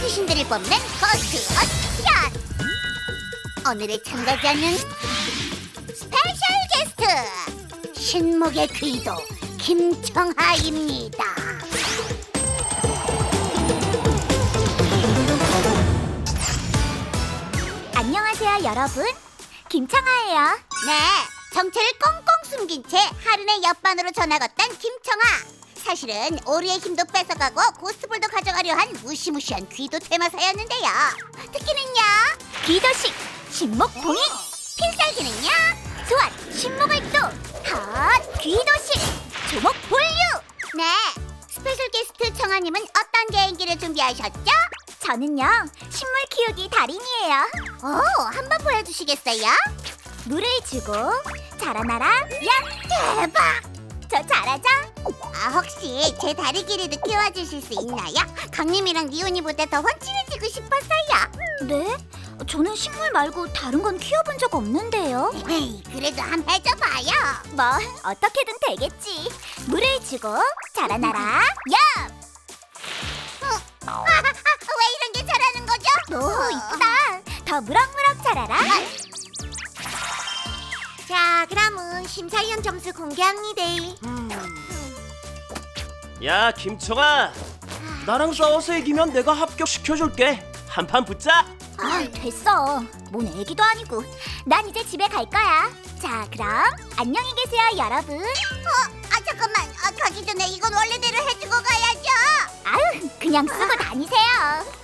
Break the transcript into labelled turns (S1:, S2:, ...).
S1: 귀신들을 뽑는 고스트 어디션! 오늘의 참가자는 스페셜 게스트 신목의 귀도 김청하입니다.
S2: 안녕하세요, 여러분. 김청하예요.
S1: 네, 정체를 꽁꽁 숨긴 채 하른의 옆반으로 전학 왔던 김청하. 사실은 오리의 힘도 뺏어가고 고스트볼도 가져가려 한 무시무시한 귀도 테마사였는데요. 특기는요,
S2: 귀도식, 신목봉인,
S1: 필살기는요,
S2: 소환, 신목을도, 핫, 귀도식, 조목볼류.
S1: 네, 스페셜 게스트 청하님은 어떤 개인기를 준비하셨죠?
S2: 저는요, 식물 키우기 달인이에요.
S1: 오, 한번 보여주시겠어요?
S2: 물을 주고 자라나라, 야!
S1: 대박!
S2: 저 잘하죠?
S1: 아, 혹시 제 다리 길이도 키워주실 수 있나요? 강림이랑 니온이보다 더 훤칠해지고 싶었어요.
S2: 네? 저는 식물 말고 다른 건 키워본 적 없는데요.
S1: 에이, 그래도 한번 해줘봐요.
S2: 뭐, 어떻게든 되겠지. 물을 주고 자라나라, 야!
S1: 왜 이런 게 잘하는 거죠?
S2: 오, 이쁘다. 더 무럭무럭 자라라.
S1: 자, 그럼은 심사위원 점수 공개합니다.
S3: 야, 김청아, 나랑 싸워서 이기면 내가 합격시켜줄게. 한판 붙자.
S2: 아, 됐어. 뭔 애기도 아니고. 난 이제 집에 갈 거야. 자, 그럼 안녕히 계세요, 여러분.
S1: 잠깐만. 가기 전에 이건 원래대로 해주고 가야죠.
S2: 아유, 그냥 쓰고 다니세요.